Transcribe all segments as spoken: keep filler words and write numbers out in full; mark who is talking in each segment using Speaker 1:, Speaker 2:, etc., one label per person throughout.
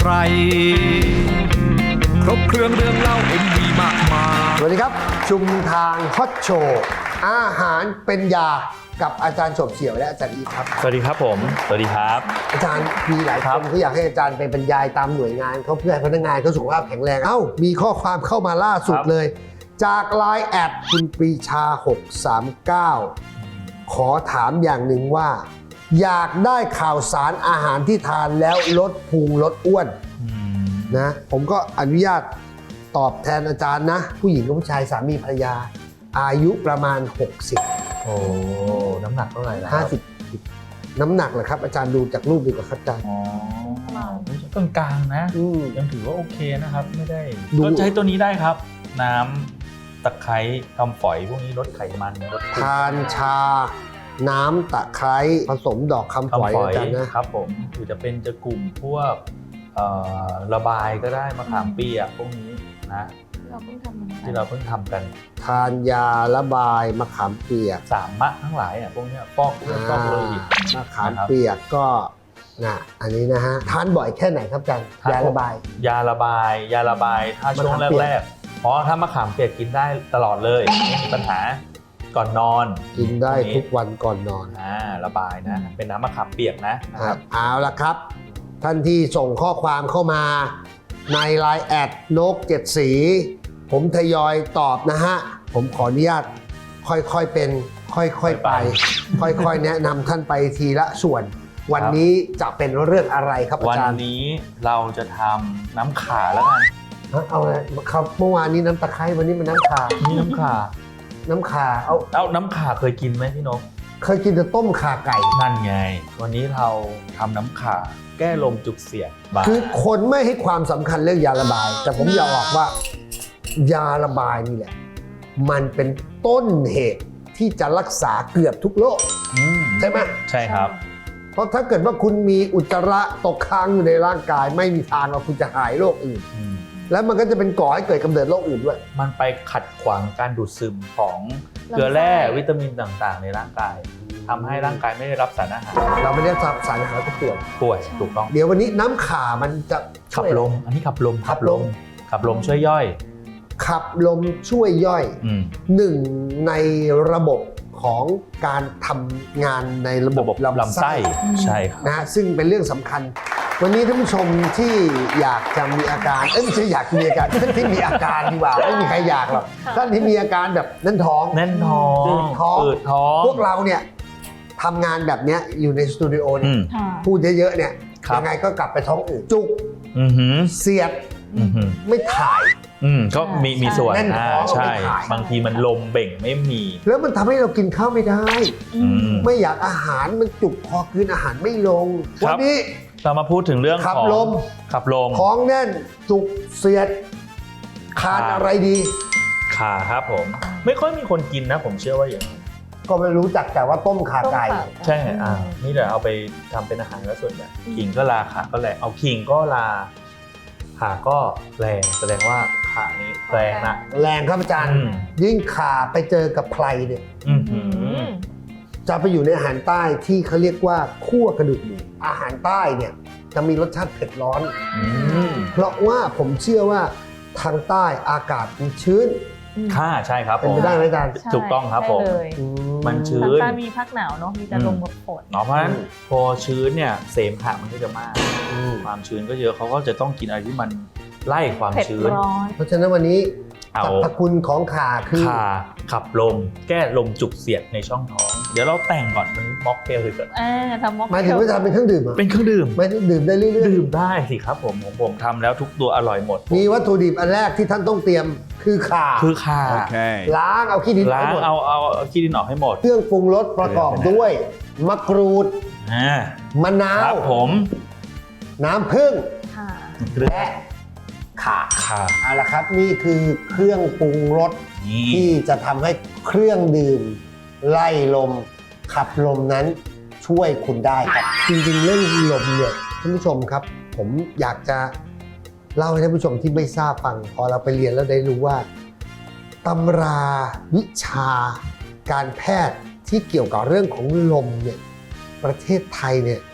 Speaker 1: ใครครบเครื่องเรื่องเล่าเอ็มวีมากมาย
Speaker 2: สวัสดีครับชุมทางฮอตโชว์อาหารเป็นยากับอาจารย์สมเฉียวและอาจารย์อีทครับ
Speaker 3: สวัสดีครับผมสวัสดีครับ
Speaker 2: อาจารย์มีหลายคนเขาอยากให้อาจารย์ไปบรรยายตามหน่วยงานเขาเพื่อให้พนักงานเขาสุขภาพแข็งแรงเอ้ามีข้อความเข้ามาล่าสุดเลยจากไลน์แอดคุณปรีชาหกสามเก้าขอถามอย่างหนึ่งว่าอยากได้ข่าวสารอาหารที่ทานแล้วลดพุงลดอ้วนนะผมก็อนุญาตตอบแทนอาจารย์นะผู้หญิงกับผู้ชายสามีภรรยาอายุประมาณหกสิบ
Speaker 3: โอ้น้ำหนักเท่าไหร่แล้ว
Speaker 2: ห้าสิบน้ำหนักเหรอครับอาจารย์ดูจากรูปดีกว่าครับอาจารย์
Speaker 3: อ๋อกลางกลางๆนะยังถือว่าโอเคนะครับไม่ได้ก็ใช้ตัวนี้ได้ครับน้ำตะไคร้คำฝอยพวกนี้ลดไขมันลด
Speaker 2: ทานชาน้ำตะไคร้ผสมดอกคำฝอยอาจารย์นะครับ
Speaker 3: ผมหรือจะเป็นจะกลุ่มพวกระบายก็ได้มะขามเปียกพวกนี้นะ
Speaker 4: เราเพิ่งทำ
Speaker 3: ที่เราเพิ่งทำกัน
Speaker 2: ทานยาระบายมะขามเปียก
Speaker 3: สามมะทั้งหลายอ่ะพวกนี้ฟอกเลือดฟอกโลหิต
Speaker 2: มะขามเปียกก็นะอันนี้นะฮะทานบ่อยแค่ไหนครับอาจารย์ยาระบาย
Speaker 3: ยาระบายยาระบายถ้าช่วงแรกๆเพราะถ้ามะขามเปียกกินได้ตลอดเลยไม่มีปัญหาก่อนนอน
Speaker 2: กินได้ทุกวันก่อนนอน
Speaker 3: อ่าระบายนะเป็นน้ำมะขามเปียกนะครับ
Speaker 2: เอาละครับท่านที่ส่งข้อความเข้ามาในไลน์แอดนกเจ็ดสีผมทยอยตอบนะฮะผมขออนุญาตค่อยๆเป็นค่อยๆไปค่อยๆแนะนำท่านไปทีละส่วนวันนี้จะเป็นเรื่องอะไรครับอาจารย์
Speaker 3: วันนี้เราจะทำน้ำข่าแล้วกัน
Speaker 2: เอาเลยครับเมื่อวานนี้น้ำตะไคร้วันนี้มันน้ำข่า
Speaker 3: นี่น้ำข่า
Speaker 2: น้ำข่าเอา
Speaker 3: เอาน้ำข่าเคยกินไหมพี่นก
Speaker 2: เคยกินแต่ต้มข่าไก่
Speaker 3: นั่นไงวันนี้เราทำน้ำข่าแก้ลมจุกเสียด
Speaker 2: คือคนไม่ให้ความสำคัญเรื่องยาระบายแต่ผมอยากบอกว่ายาระบายนี่แหละมันเป็นต้นเหตุที่จะรักษาเกือบทุกโรคใช่ไหม
Speaker 3: ใช่ครับ
Speaker 2: เพราะถ้าเกิดว่าคุณมีอุจจาระตกค้างอยู่ในร่างกายไม่มีทางว่าคุณจะหายโรคอื่นแล้วมันก็จะเป็นก่อให้เกิดกำเนิดโรคอื่นด้วย
Speaker 3: มันไปขัดขวางการดูดซึมของเกลือแร่วิตามินต่างๆในร่างกายทำให้ร่างกายไม่ได้รับสารอาหาร
Speaker 2: เราไม่ได้รับสารอาหารก็ป่วย
Speaker 3: ป่วยถูกต้อง
Speaker 2: เดี๋ยววันนี้น้ำข่ามันจะ
Speaker 3: ขับลมอันนี้ขับลมขับลมขับลมช่วยย่อย
Speaker 2: ขับลมช่วยย่อยหนึ่งในระบบของการทำงานในระบบลำไส้
Speaker 3: ใช่ครับ
Speaker 2: นะซึ่งเป็นเรื่องสำคัญวันนี้ท่านผู้ชมที่อยากจะมีอาการเอ้ยไม่ใช่อยากมีอาการท่านที่มีอาการดีกว่าไม่มีใครอยากหรอกท่านที่มีอาการแบบแน่นท้อง
Speaker 3: แน่นท้อง
Speaker 2: อืดท้อง
Speaker 3: อืดท้อง
Speaker 2: พวกเราเนี่ยทำงานแบบนี้อยู่ในสตูดิโอเนี่ยพูดเยอะๆเนี่ยยังไงก็กลับไปท้องอืดจุกเสียดไม่ถ่าย
Speaker 3: อืมก็มีมีส่วนอ่าใช่บางทีมันลมเบ่งไม่มี
Speaker 2: แล้วมันทำให้เรากินข้าวไม่ได้ไม่อยากอาหารมันจุกคอคืนอาหารไม่ลงวันนี้
Speaker 3: เรามาพูดถึงเรื่อง
Speaker 2: ขับลม
Speaker 3: ขับลม
Speaker 2: ท้องแน่นจุกเสียดขาดอะไรดี
Speaker 3: ขาครับผมไม่ค่อยมีคนกินนะผมเชื่อว่าอย่าง
Speaker 2: ก็ไม่รู้จักแต่ว่าต้มขาไก่
Speaker 3: ใช่อ่านี่เดี๋ยวเอาไปทำเป็นอาหารแล้วส่วนใหญ่ขิงก็ลาขาก็แรงเอาขิงก็ลาขาก็แรงแสดงว่าขานี้แรงนะ
Speaker 2: แรงครับอาจารย์ยิ่งขาไปเจอกับไพรเนี่ยจะไปอยู่ในอาหารใต้ที่เขาเรียกว่าคั่วกระดูกหมูอาหารใต้เนี่ยจะมีรสชาติเผ็ดร้อนเพราะว่าผมเชื่อว่าทางใต้อากาศมันชื้น
Speaker 3: ค่ะใช่ครับ
Speaker 2: เป็นไปได้ไหมอาจารย์
Speaker 3: ถูกต้องครับผมมันชื้น
Speaker 4: ทางใต้มีภาคหนาวเนาะมีแต่ลมกับฝน
Speaker 3: เนาะเพราะฉะนั้นพอชื้นเนี่ยเสมหะมันก็จะมากความชื้นก็เยอะเขาก็จะต้องกินอะไรที่มันไล่ความชื้น
Speaker 2: เพราะฉะนั้นวันนี้สรรพคุณของข่าคือ
Speaker 3: ข่าขับลมแก้ลมจุกเสียดในช่องท้องเดี๋ยวเราแต่งก่อนมันม็อกเทลเลยก่อน
Speaker 4: อ่าทำม็อกเทล
Speaker 2: หมายถึงว่าจะเป็นเครื่องดื่ม
Speaker 3: เป็นเครื่องดื่ม
Speaker 2: ไม่ได้ดื่มได้เรื่อย
Speaker 3: ๆดื่มได้สิครับผมของผมทำแล้วทุกตัวอร่อยหมด
Speaker 2: มีวัตถุดิบอันแรกที่ท่านต้องเตรียมคือข่า
Speaker 3: คือข่า
Speaker 2: ล้างเอาขี้ดิน
Speaker 3: ล้างเอาเอาขี้ดินออกให้หมด
Speaker 2: เครื่องปรุงรสประกอบด้วยมะกรูดมะนาว
Speaker 3: ครับผม
Speaker 2: น้ำผึ้งและข่า
Speaker 3: ข่า
Speaker 2: เอาละครับนี่คือเครื่องปรุงรสที่จะทำให้เครื่องดื่มไล่ลมขับลมนั้นช่วยคุณได้ครับจริงๆเรื่องลมเนี่ยท่านผู้ชมครับผมอยากจะเล่าให้ท่านผู้ชมที่ไม่ทราบฟังพอเราไปเรียนแล้วได้รู้ว่าตำราวิชาการแพทย์ที่เกี่ยวกับเรื่องของลมเนี่ยประเทศไทยเนี่ย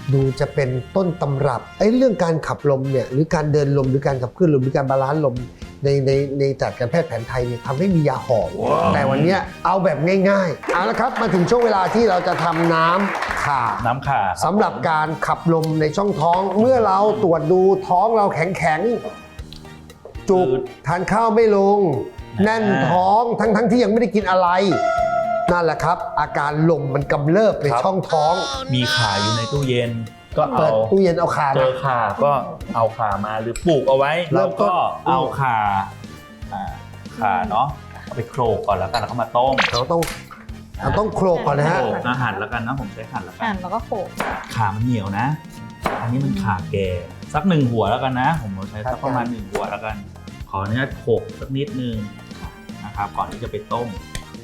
Speaker 2: ดูจะเป็นต้นตำรับไอ้เรื่องการขับลมเนี่ยหรือการเดินลมหรือการขับเคลื่อนลมหรือการบาลานซ์ลมในในในจัดการแพทย์แผนไทยเนี่ยทำให้มียาหอมแต่วันเนี้ยเอาแบบง่ายๆเอาละครับมาถึงช่วงเวลาที่เราจะทำน้ำข่า
Speaker 3: น้ำข่า
Speaker 2: สำหรับการขับลมในช่องท้อง เมื่อเราตรวจดูท้องเราแข็งแข็งๆจุกทานข้าวไม่ลง แน่นท้องทั้งทั้งที่ยังไม่ได้กินอะไรนั่นแหละครับ อาการลมมันกำเริบในช่องท้อง
Speaker 3: มีข่าอยู่ในตู้เย็นก็
Speaker 2: เปิ
Speaker 3: เอา
Speaker 2: ดตู้เย็นเอาขา
Speaker 3: เจ
Speaker 2: มา
Speaker 3: อข่าก็เอาข่ามาหรือปลูกเอาไว้
Speaker 2: เริ่
Speaker 3: เรา
Speaker 2: มต้น
Speaker 3: ก็เอาข่าอ่าข่าเนาะเอาไปโขลกก่อนแล้วกันแล้วก็มาต้ม
Speaker 2: เราต้องเราต้องโคลกก่อนนะฮะ
Speaker 3: โขลกอาหั่นแล้วกันนะผมใช้หั่นแล้วกั
Speaker 4: อ่าน
Speaker 3: น
Speaker 4: แล้วก็โขก
Speaker 3: ข่ามันเหนียวนะ อันนี้มันข่าแก่สักหนึ่งหัวแล้วกันนะ ผมใช้สักประมาณหนึ่งหัวแล้วกัน ขออนุญาตโขลกสักนิดนึงนะครับก่อนที่จะไปต้ม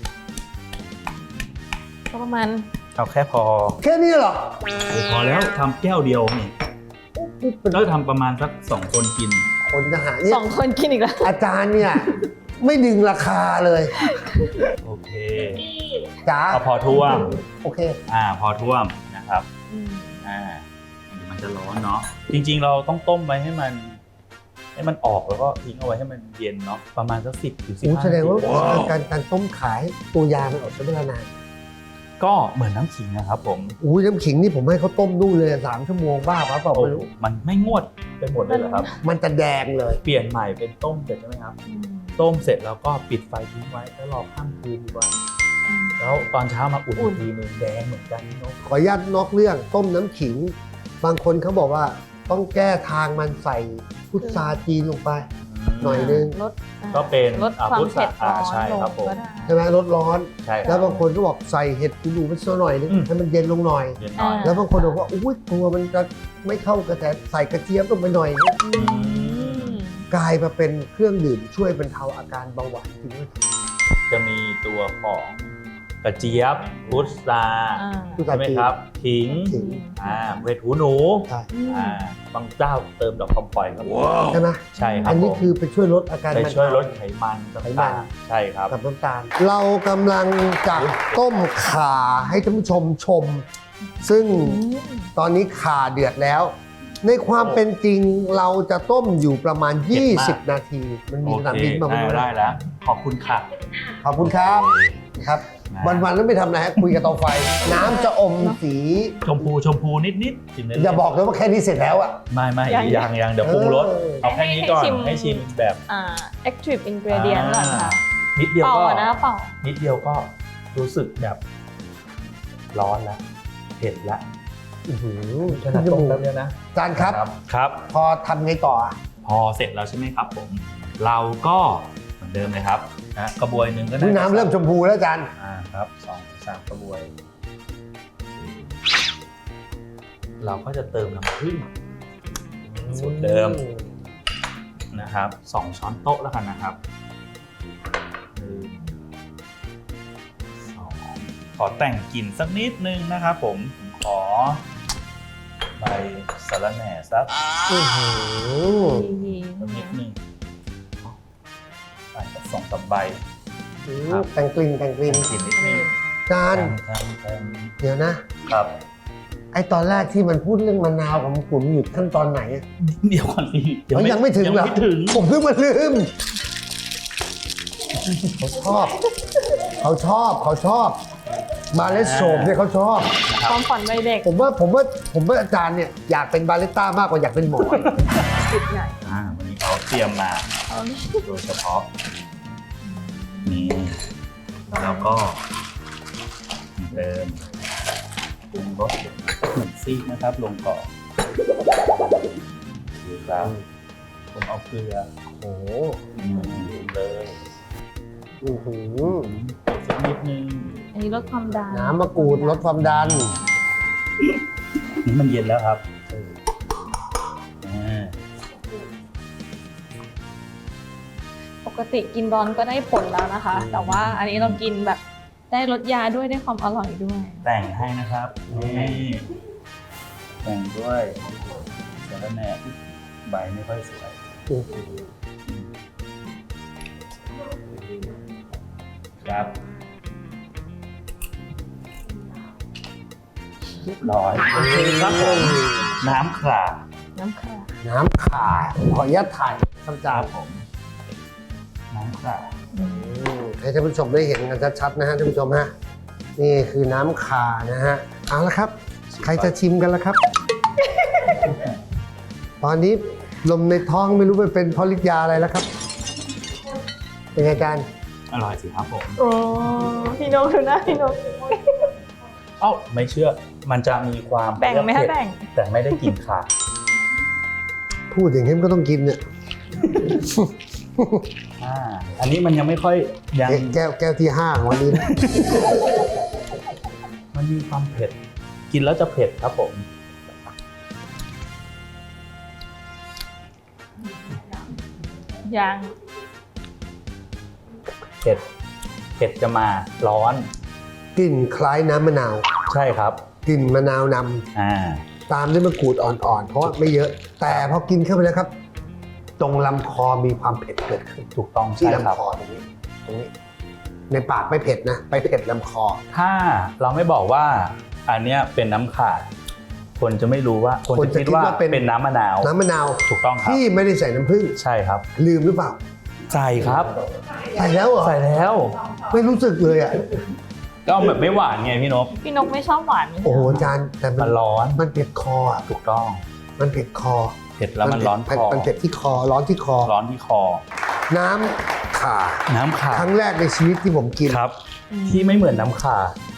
Speaker 4: ก็ประมาณ
Speaker 3: เอาแค่พอ
Speaker 2: แค่นี้เหรอ
Speaker 3: พอแล้วทำแก้วเดียวนี่ก็ทำประมาณสักสองคนกิน
Speaker 2: คนทหารเนี่ย
Speaker 4: สองคนกินอีกแล้ว
Speaker 2: อาจารย์เนี่ยไม่ดึงราคาเลย
Speaker 3: โอเค
Speaker 2: จ้า
Speaker 3: เอาพอท่วม
Speaker 2: โอเค
Speaker 3: อ่าพอท่วมนะครับ
Speaker 4: อืม
Speaker 3: อ่าเดี๋ยวมันจะร้อนเนาะจริงๆเราต้องต้มไว้ให้มัน ให้มันออกแล้วก็ทิ้งเอาไว้ให้มันเย็นเนาะประมาณสักสิบถึงสิบ
Speaker 2: โอ้
Speaker 3: ห้า
Speaker 2: แสดงว่า
Speaker 3: นาที
Speaker 2: การการต้มขายตัวยามันออกใช้เวลานาน
Speaker 3: ก็เหมือนน้ำขิงนะครับผม
Speaker 2: อุ้ยน้ำขิงนี่ผมให้เขาต้มนู่นเลยสามชั่วโมงบ้าปะเปล่า
Speaker 3: โอ้
Speaker 2: ไม่รู้
Speaker 3: มันไม่งวดไปหมดเลยเหรอครับ
Speaker 2: มันจะแดงเลย
Speaker 3: เปลี่ยนใหม่เป็นต้มเสร็จใช่ไหมครับ
Speaker 4: อืม
Speaker 3: ต้มเสร็จแล้วก็ปิดไฟทิ้งไว้แล้วรอข้ามคืนดีกว่า
Speaker 4: อืม
Speaker 3: แล้วตอนเช้ามาอุ่น
Speaker 4: อุ่
Speaker 3: อี
Speaker 4: น
Speaker 3: กทีหนึงแดงเหมือนกันพี่นก
Speaker 2: ขออนุญาตนอกเรื่องต้มน้ำขิง บางคนเขาบอกว่าต้องแก้ทางมันใส่พุทราจีนลงไป หน่อยนึง
Speaker 4: ลดอ่า
Speaker 3: ก็เป็น
Speaker 4: ลด
Speaker 3: อ่า
Speaker 4: ความ
Speaker 3: พุทรา
Speaker 4: เผ็ดร้อน
Speaker 3: อ่าใช่
Speaker 4: ลง
Speaker 3: ครับผม
Speaker 4: ก็ได้
Speaker 2: ใช่ไหมลดร้อน
Speaker 3: ใช่ค
Speaker 2: แล้
Speaker 3: รั
Speaker 2: ว
Speaker 3: บ
Speaker 2: บางคนก็บอกใส่เห็ดหูหนูไปสักหน่อยนึง
Speaker 3: อืม
Speaker 2: ให้มันเย็นลงหน่อย
Speaker 3: เย็นหน่อย
Speaker 4: อ่า
Speaker 2: แล้วบางคนบอกว่าอุ้ยกลัวมันจะไม่เข้ากระแสใส่กระเจี๊ยบลงไปหน่อย
Speaker 4: อืม
Speaker 2: กลายมาเป็นเครื่องดื่มช่วยบรรเทาอาการเบาหวานจริงไหม
Speaker 3: จะมีตัวของกระเจี๊ยบพุทรา
Speaker 4: อ่า
Speaker 2: พุทรา
Speaker 3: ใช่ไหมครับขิง
Speaker 2: ขิง
Speaker 3: อ่าเวทหูหนู
Speaker 2: ใช่
Speaker 4: อืม
Speaker 3: อ่าบางเจ้าเติมดอกคำปล่อยครับ
Speaker 2: ใช่ไหม
Speaker 3: ใช่ครับ
Speaker 2: อันนี้
Speaker 3: ผม
Speaker 2: คือไปช่วยลดอาการ
Speaker 3: ไป
Speaker 2: บรรเทา
Speaker 3: ช่วยลดไขมัน
Speaker 2: ไขมั
Speaker 3: ต่าน งๆใช่ครับ
Speaker 2: กับน้ำตาล เรากำลังจะต้มข่าให้ท่านผู้ชมชม ซึ่ง
Speaker 4: อืม
Speaker 2: ตอนนี้ข่าเดือดแล้ว ในความเป็นจริงเราจะต้มอยู่ประมาณ
Speaker 3: เผ็ดมาก
Speaker 2: ยี่สิบ นาที มันมี
Speaker 3: โอ
Speaker 2: สนาม
Speaker 3: เค
Speaker 2: บินมา
Speaker 3: ได้
Speaker 2: ไม่รู้
Speaker 3: ได้
Speaker 2: นะ
Speaker 3: แล้ว ขอบคุณค่ะ
Speaker 2: ขอบคุณครับครับ
Speaker 3: นะ
Speaker 2: วันๆแล้วไม่ทำอะไรฮะคุยกับเตาไฟ น้ำจะอมสี
Speaker 3: ชมพูชมพูนิดนิดๆชิมได้เล
Speaker 2: อย่าบอกเลยว่าแค่นี้เสร็จแล้วอะ
Speaker 3: ไม่ไม่
Speaker 4: ยัง
Speaker 3: ยังยังเดี๋ยวปรุงรส
Speaker 2: เออ
Speaker 3: เอาแค่นี้ก่อน
Speaker 4: ให้ชิม
Speaker 3: ให้ชิมแบบ
Speaker 4: อ่า active ingredient ก่อนค่ะ
Speaker 3: นิดเดียว
Speaker 4: เป่า
Speaker 3: ก็
Speaker 4: อะนะเป่า
Speaker 3: นิดเดียวก็รู้สึกแบบร้อนแล้วเผ็ดแล้ว
Speaker 2: อื้อหือ
Speaker 3: ขนาดต้มแป๊บเดียวนะ
Speaker 2: จานครับ
Speaker 3: ครับ
Speaker 2: พอทำไงต่ออะ
Speaker 3: พอเสร็จแล้วใช่ไหมครับผม เราก็เหมือนเดิมเลยครับนะกระบวยหนึ่งก็
Speaker 2: นี่น้ำเริ่มชมพูแล้วจาน
Speaker 3: อ่าครับสองสามกระบวย เราก็จะเติมน้ำผึ้งสูตรเดิมนะครับสองช้อนโต๊ะแล้วกันนะครับหนึ่งสองขอแต่งกลิ่นสักนิดนึงนะครับผมผมขอใบสะระแหน่สัก
Speaker 2: อื้อหือ
Speaker 3: สักนิดนึงใบสักสองสามใบ
Speaker 2: อื้อแต่งกลิ่นแต่งกลิ่น
Speaker 3: กลิ่นนิดนึง
Speaker 2: จาน
Speaker 3: แทงแทง
Speaker 2: เดี๋ยวนะ
Speaker 3: ครับ
Speaker 2: ไอตอนแรกที่มันพูดเรื่องมะนาวกับมะกรูดมันอยู่ขั้นตอนไหนอะ
Speaker 3: เดี๋ยวก่อนสิ
Speaker 2: เอ้ยยังไม่ถึง
Speaker 3: ยัง
Speaker 2: เหรอ
Speaker 3: ไม่ถึง
Speaker 2: ผมเพิ่งมาลืมเขาชอบ เขาชอบเขาชอบ มาเลสโชมเนี่ยเขาชอบ
Speaker 4: ความฝันวัยเด็ก
Speaker 2: ผมว่าผมว่าผมว่าอาจารย์เนี่ยอยากเป็นบาริสต้ามากกว่าอยากเป็นหมอ
Speaker 4: จุดใหญ่
Speaker 3: อ่าวันนี้เขาเตรียมมา
Speaker 4: เอาดิ
Speaker 3: โดยเฉพาะนี่แล้วก็เหมือนเดิมปรุงรสหนึ่งซีกนะครับ ลงก่อนดูครับผมเอาเกลือ
Speaker 2: โอ้โห
Speaker 3: อืมลงเลย
Speaker 2: อื้อหือ
Speaker 3: สักนิดนึง
Speaker 4: อันนี้ลดความดัน
Speaker 2: น้ำมะกรูดลดความดัน
Speaker 3: นี่มันเย็นแล้วครับอ่า
Speaker 4: ปกติกินร้อนก็ได้ผลแล้วนะคะ แต่ว่าอันนี้เรากินแบบได้ลดยาด้วยได้ความอร่อยด้วย
Speaker 3: แต่งให้นะครับนี่แต่งด้วยสาระแหน่ใบไม่ค่อยสวย
Speaker 2: อื้อหือ
Speaker 3: ครับเรียบร้อยโอเคครับผมน้ำขลา
Speaker 4: น้ำค่ะ
Speaker 2: น้ำขาขออนุญาตถ่ายครับอาจารย์
Speaker 3: ผมน้ำขลา
Speaker 2: อืมให้ท่านผู้ชมได้เห็นกันชัดๆนะฮะท่านผู้ชมฮะนี่คือน้ำขานะฮะเอาละครับ ใครจะชิมกันละครับ ตอนนี้ลมในท้องไม่รู้ไปเป็นเพราะฤทธิ์ยาอะไรแล้วครับ เป็นไงอาจารย์
Speaker 3: อร่อยสิครับผม
Speaker 4: โอ้พี่นกดูหน้าพี่นก
Speaker 3: เอ้าไม่เชื่อมันจะมีความ
Speaker 4: แบ่งไหมคะ
Speaker 3: เผ็ด
Speaker 4: แบ่ง
Speaker 3: แต่ไม่ได้กลิ่นขา
Speaker 2: พูดอย่างนี้มันก็ต้องกินเนี่ย
Speaker 3: อ่าอันนี้มันยังไม่ค่อยยัง
Speaker 2: แก้วแก้วที่ห้าของวันนี้นะ
Speaker 3: มันมีความเผ็ด กินแล้วจะเผ็ดครับผม
Speaker 4: ยัง
Speaker 3: เผ็ดเผ็ดจะมาร้อน
Speaker 2: กลิ่นคล้ายน้ำมะนาว
Speaker 3: ใช่ครับ
Speaker 2: กลิ่นมะนาวน
Speaker 3: อ่า
Speaker 2: ำตามด้วยมะกรูดอ่อนๆ เพราะว่าไม่เยอะ แต่พอกินเข้าไปแล้วครับ ตรงลำคอมีความเผ็ดเกิดขึ้น
Speaker 3: ถูกต้อง
Speaker 2: ที่
Speaker 3: ใช่ครับ
Speaker 2: ลำคอตรงนี้ตรงนี้ ในปากไม่เผ็ดนะ ไปเผ็ดลำคอ
Speaker 3: ถ้าเราไม่บอกว่าอันเนี้ยเป็นน้ำขาดคนจะไม่รู้ว่าคน
Speaker 2: คน
Speaker 3: จะ
Speaker 2: จะ
Speaker 3: คิด
Speaker 2: คิด
Speaker 3: ว่า
Speaker 2: ว่าเป็น
Speaker 3: เป็นน้ำมะนาว
Speaker 2: น้ำมะนาว
Speaker 3: ถูกต้องครับ
Speaker 2: ที่ไม่ได้ใส่น้ำผึ้ง
Speaker 3: ใช่ครับ
Speaker 2: ลืมหรือเปล่า
Speaker 3: ใส่ครับ
Speaker 2: ใส่แล้วเหรอ
Speaker 3: ใส่แล้ว
Speaker 2: ไม่รู้สึกเลยอ่ะ
Speaker 3: ก็แบบไม่หวานไงพี่นพ
Speaker 4: พี่นกไม่ชอบหวานไหม
Speaker 2: โอ้โหอาจารย์แต่มั
Speaker 3: มัน นร้อน
Speaker 2: มันเผ็ดคออ่ะ
Speaker 3: ถูกต้อง
Speaker 2: มันเผ็ดคอ
Speaker 3: เผ็ดแล้วมันร้อนคอ
Speaker 2: มันเผ็ดที่คอร้อนที่คอ
Speaker 3: ร้อนที่คอ
Speaker 2: น้ำข่า
Speaker 3: น้ำขา
Speaker 2: ครั้งแรกในชีวิตที่ผมกิน
Speaker 3: ครับ ที่ไม่เหมือนน้ำขาร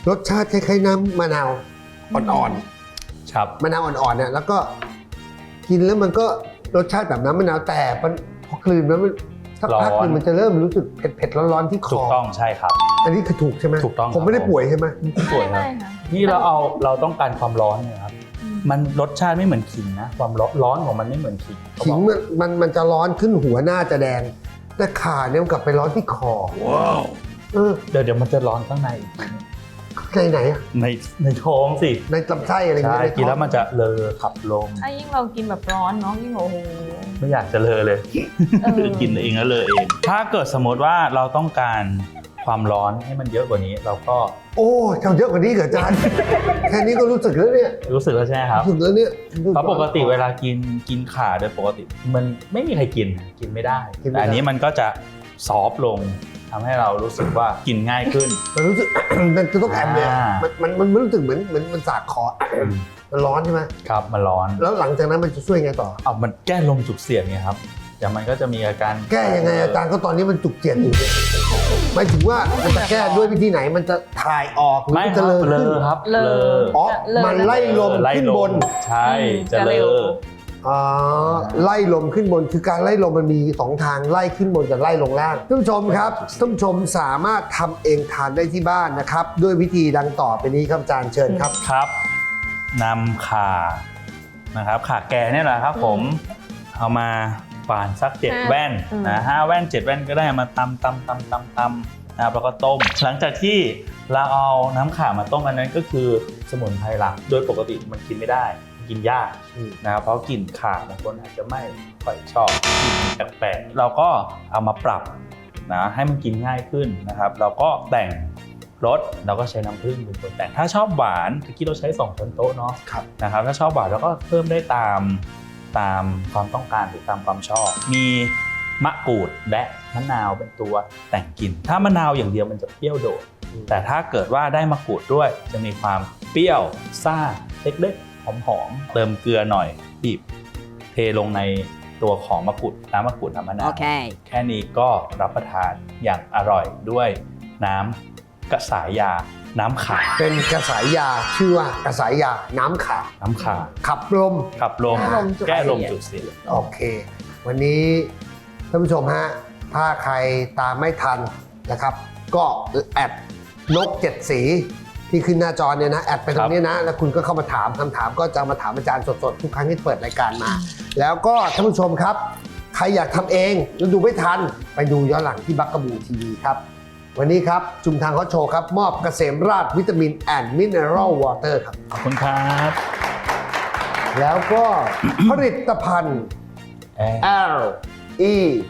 Speaker 2: สชาติคล้ายๆน้ำมะนาวอ่อน
Speaker 3: ครับ
Speaker 2: ๆมะนาวอ่อนๆเนี่ยแล้วก็กินแล้วมันก็รสชาติแบบน้ำมะนาวแต่มันพอกลืนแล้วมันสักพักหนึงมันจะเริ่มรู้สึกเผ็ดๆร้อนๆที่ค
Speaker 3: ถู
Speaker 2: อก
Speaker 3: ต้องใช่ครับ
Speaker 2: อันนี้คือถูกใช่ไหม
Speaker 3: ถูกต้อง
Speaker 2: ผมไม่ได้
Speaker 3: ครับ
Speaker 2: ป่วยใช่ไหม
Speaker 3: สวยครับ
Speaker 4: ไม่ค่ะ
Speaker 3: นี่เราเอาเราต้องการความร้อนเนี่ยครับ
Speaker 4: อืม
Speaker 3: มันรสชาติไม่เหมือนขิงนะ ความร้อนร้อนของมันไม่เหมือนขิงเขา
Speaker 2: ขิ
Speaker 3: บ
Speaker 2: ง
Speaker 3: อก
Speaker 2: มันมันมันจะร้อนขึ้นหัวหน้าจะแดง แต่ขาเนี่ยมันกลับไปร้อนที่คอว้าวเออ
Speaker 3: เดี๋ยวเดี๋ยวมันจะร้อนข้างในอีกที
Speaker 2: ในไหนอะ
Speaker 3: ในในท้องสิ
Speaker 2: ในลำไส้อะไรอย่าง
Speaker 3: ใช่
Speaker 2: เงี้ย
Speaker 3: กินแล้วมันจะเลอขับลม
Speaker 4: ถ้ายิ่งเรากินแบบร้อนเนาะยิ่งโอ้โห
Speaker 3: ไม่อยากจะเลอเลย
Speaker 4: เออ
Speaker 3: กินเองแล้วเลอเอง ถ้าเกิดสมมติว่าเราต้องการความร้อนให้มันเยอะกว่านี้ เราก็
Speaker 2: โอ้เจ้าเยอะกว่านี้เหรออาจารย์ แค่นี้ก็รู้สึกแล้วเนี่ย
Speaker 3: รู้สึกแล้วใช่ไหมครับ
Speaker 2: รู้สึกแล้วเนี่ย
Speaker 3: เพราะปกติเวลากินกินข่าโดยปกติ มันไม่มีใครกินกินไม่ได้ แต่อันนี้มันก็จะซอฟต์ลงทำให้เรารู้สึกว่ากินง่ายขึ้น
Speaker 2: มันรู้สึก มันจะต้องแอบเนี่ย
Speaker 3: อ่ามั
Speaker 2: มันมันมันรู้สึกเหมือนเหมือนมันสาดคอ มันร้อนใช่ไหม
Speaker 3: ครับมันร้อน
Speaker 2: แล้วหลังจากนั้นมันจะช่วยไงต่อ
Speaker 3: เอามันแก้ลมจุกเสียดไงครับเดี๋ยวมันก็จะมีอาการ
Speaker 2: แก้ยังไงอาจารย์ก็ตอนนี้มันจุกเจียนอยู่เนี่ยหมายถึงว่ามันจะแก้ด้วยวิธีไหนมันจะถ่ายออกหรือ
Speaker 3: ไม่
Speaker 2: มัน
Speaker 3: ค
Speaker 2: จะ
Speaker 3: รับ
Speaker 2: เลอ
Speaker 3: เล
Speaker 2: ขึ้น
Speaker 3: อครับ
Speaker 4: เลอ
Speaker 2: อ๋อ
Speaker 4: เลอ
Speaker 2: มันไล่ลม
Speaker 3: ไล่
Speaker 2: ขึ้น
Speaker 3: ล
Speaker 2: บน
Speaker 3: มใช่
Speaker 4: อืม
Speaker 3: จะ
Speaker 4: จะ
Speaker 3: เล
Speaker 4: เร็ว
Speaker 3: อ
Speaker 2: อ๋อไล่ลมขึ้นบนคือการไล่ลมมันมีสองทางไล่ขึ้นบนกับไล่ลงล่างท่านผู้ชมครับท่านผู้ชมสามารถทำเองทานได้ที่บ้านนะครับ ด้วยวิธีดังต่อไปนี้ครับอาจารย์เชิญครับ
Speaker 3: ครับนำข่านะครับข่าแก่เนี่ยแหละครับผมเอามาฝานสักเจ็ด
Speaker 4: ห้า
Speaker 3: แว่น
Speaker 4: อืม
Speaker 3: นะห้าแว่นเจ็ดแว่นก็ได้มาตำตำตำตำตำนะครับแล้วก็ต้ม หลังจากที่เราเอาน้ำข่ามาต้มอันนั้นก็คือสมุนไพรหลักโดยปกติมันกินไม่ได้กินยาก
Speaker 2: อืม
Speaker 3: นะครับเพราะกลิ่นข่าบางคนอาจจะไม่ค่อยชอบกลิ่นแปลกๆเราก็เอามาปรับนะให้มันกินง่ายขึ้นนะครับ เราก็แต่งรสเราก็ใช้น้ำผึ้งเป็นตัวแต่งถ้าชอบหวานเมื่อกี้เราใช้สองช้อนโต๊ะเนาะ
Speaker 2: ครับ
Speaker 3: นะครับถ้าชอบหวานเราก็เพิ่มได้ตามตามความต้องการหรือตามความชอบ มีมะกรูดและมะนาวเป็นตัวแต่งกลิ่นถ้ามะนาวอย่างเดียวมันจะเปรี้ยวโดด แต่ถ้าเกิดว่าได้มะกรูดด้วยจะมีความเปรี้ยวซ่าเล็กๆหอมๆเติมเกลือหน่อยบีบเทลงในตัวของมะกรูดน้ำมะกรูดน้ำมะนาว
Speaker 5: Okay.
Speaker 3: แค่นี้ก็รับประทานอย่างอร่อยด้วยน้ำกระสายยาน้ำขา
Speaker 2: เป็นกระสายยาชื่อว่ากระสายยาน้ำขา
Speaker 3: น้ำขา
Speaker 2: ขับลม
Speaker 3: ขับลม
Speaker 4: แก้ลมจุก
Speaker 3: แก้ลม
Speaker 4: เสียด
Speaker 3: จุกเสียด
Speaker 2: โอเค วันนี้ท่านผู้ชมฮะถ้าใครตามไม่ทันนะครับ ก็แอดนกเจ็ดสีที่ขึ้นหน้าจอเนี่ยนะแอดไปตรงนี้นะแล้วคุณก็เข้ามาถามคำถามก็จะมาถามอาจารย์สดๆทุกครั้งที่เปิดรายการมา แล้วก็ท่านผู้ชมครับ ใครอยากทำเองแล้วดูไม่ทันไปดูย้อนหลังที่บักกะบูทีวีครับ วันนี้ครับจุมทางเขาโชว์ครับ มอบเกษมราชวิตามินแอนด์มิเนอรัลวอเตอร์ครับ
Speaker 3: ขอบคุณครับ
Speaker 2: แล้วก็ ผลิตภัณฑ์
Speaker 3: แอร์
Speaker 2: L E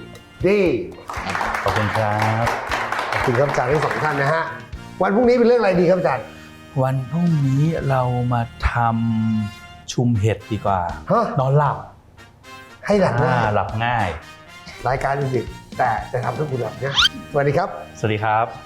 Speaker 2: D
Speaker 3: ขอบคุณครับ
Speaker 2: ขอบคุณครับอาจารย์ทั้งสองท่านนะฮะวันพรุ่งนี้เป็นเรื่องอะไรดีครับอาจารย์
Speaker 3: พวันพรุ่งนี้เรามาทำชุมเห็ดดีกว่า
Speaker 2: ฮะ
Speaker 3: นอนหลับ
Speaker 2: ให้หลังหน้า
Speaker 3: อ่าหลับง่าย
Speaker 2: รายการดึกๆแต่จะทำให้คุณหลับเนี่ยสวัสดีครับ
Speaker 3: สวัสดีครับ